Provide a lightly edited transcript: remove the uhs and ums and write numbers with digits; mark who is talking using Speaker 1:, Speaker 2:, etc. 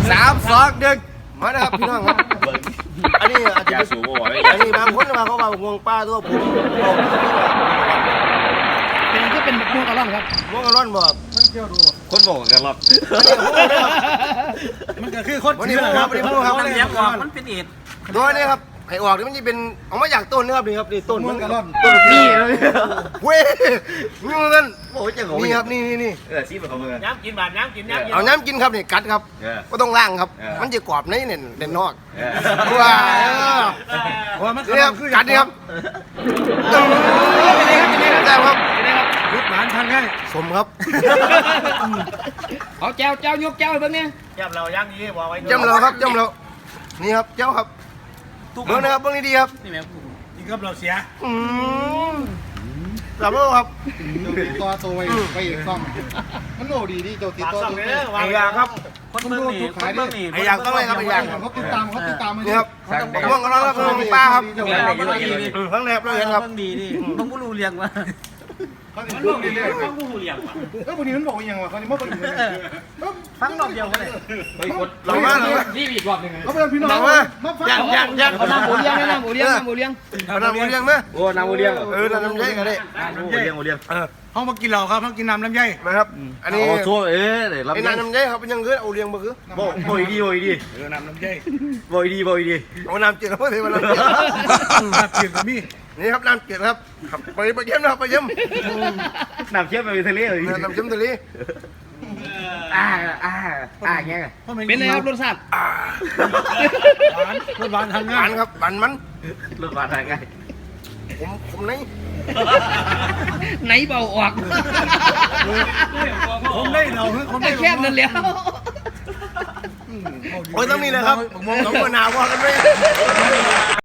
Speaker 1: 3 2 1มานะครับพี่น้องครับอันนี้อาจจะ
Speaker 2: ยาสูบบ่อย
Speaker 1: อันนี้บางคนมาเขาบอกงวงป้าตัวผม
Speaker 3: เป็นก็เป็นพวกกระล่อนครับ
Speaker 1: งวงกระร่อนบอก
Speaker 2: คนบอกกันหรอก
Speaker 4: มันก็คือคน
Speaker 1: วันนี้พูดครับวันนี้พูดครับ
Speaker 4: มันเลี้ยงก่อนมันเป็นเอ็ด
Speaker 1: ตัวนี้ครับไอ้ออกนี่มันจะเป็นออกมาจากต้นนะครับนี่ครับนี่ต้น
Speaker 4: มันกระล่อน
Speaker 1: ต้น
Speaker 3: นี่
Speaker 1: เว้ยนี่มัน
Speaker 2: โอ้ยจัง
Speaker 1: นี่ครับนี่
Speaker 2: ซีเป็นของมึง
Speaker 4: น้ำกินบาดน้ำกินน้ำกิน
Speaker 1: เอาน้ำกินครับนี่กัดครับก็ต้องล่างครับ มันจะกรอบในเนี่ยเด่นนอกว้า
Speaker 4: ว่ามัน
Speaker 1: นี่ครับกัดนี่ครับเป็นไงครับ
Speaker 4: ลูกหลานทานง่าย
Speaker 1: สมครับ
Speaker 3: เอาแจวยกแจวให้เบิ่งเนี่ย
Speaker 4: จับเราย่างนี้บอกไว้
Speaker 1: จำเราครับจำเรานี่ครับเจ้าครับเบิ่งนะครับเบิ่งดีๆครับ
Speaker 4: นี่แม่กินกับเราเสีย
Speaker 1: หลับแล้วครับ
Speaker 5: ตัวไปอีกซ่องมันโหดีดีเจ้าติด
Speaker 4: ปาก
Speaker 5: ตัว
Speaker 4: ซ่อง
Speaker 5: ตัว
Speaker 4: เลย
Speaker 1: ไอ้ยางครับ
Speaker 4: คนเมืองนี่คนเมืองนี่
Speaker 1: ไอ้ยางต้องเลยครับไอ้ยาง
Speaker 5: เขาติดตามมัน
Speaker 1: นี่ครับม่วงกันแล้วครับม่วงป้าครับข้างในครับเราเห็นครับ
Speaker 4: เมืองดีดิต้องผู้รู้เรียงว่า
Speaker 5: เขาติดตัวเรื่อย
Speaker 4: ต้องผู้รู้เรียงว่า
Speaker 5: ๆแล้ววันนี้มันบอกยังวะเขาเนี่ยเมื่อวันนี้
Speaker 4: ฟังรอบเดียวกันเลย
Speaker 1: เรามาเรามา
Speaker 3: นี่อีกรอบหนึงไง
Speaker 5: เขาเป็นพี่น้อง
Speaker 1: เรามา
Speaker 5: มาฟัง
Speaker 1: ยัน
Speaker 3: เอาน้ำหมูเลี้ยงน้ำหมูเลี้ยงน้ำหมูเลี้ยง
Speaker 1: เอาน้ำมูเลี้ยงไหม
Speaker 2: โอ้น้ำโอเลี้ยง
Speaker 1: น้ำใหญ่ก็ได้
Speaker 2: โอเลี้ยงโอเลี้ยง
Speaker 4: เขามากินเราครับเขากินน้ำลำไย
Speaker 1: นะครับอันนี้
Speaker 2: โอ้ชั่วเดี๋ยวรับ
Speaker 1: ไอ้น้ำใหญ่ครับเป็นยังคือเอาเลี้ยงมาคือ
Speaker 2: บ่อยดีบ่อยดี
Speaker 4: น้ำลำไย
Speaker 2: บ่อยดีบ่อยดี
Speaker 1: เอาน้ำเจือมาเลยมาน้ำเจือ
Speaker 4: น้ำเปลี่ยนกับมี่
Speaker 1: นี่ครับน้ำเจือครับไปเยี่ยมนะครับไปเยี่ยม
Speaker 2: น้ำเชื่อมไปทะเลเลย
Speaker 1: น้ำเชื่อมทะเล
Speaker 2: เงี้ย
Speaker 3: เป็นไงครับรสชาติ
Speaker 4: รถหวานทาน
Speaker 1: ห
Speaker 4: ง่า
Speaker 1: วาย นครับหวานมัน
Speaker 2: รถบาดทางไง
Speaker 1: ผมนี่
Speaker 3: ไหนเบาออก
Speaker 4: ผมได้เราผม
Speaker 3: แต่
Speaker 4: ได้
Speaker 3: แค่นั้นแล้ว
Speaker 1: โอ้ยต้องนี่เลยครับต้องมะนาวว่ากันไหม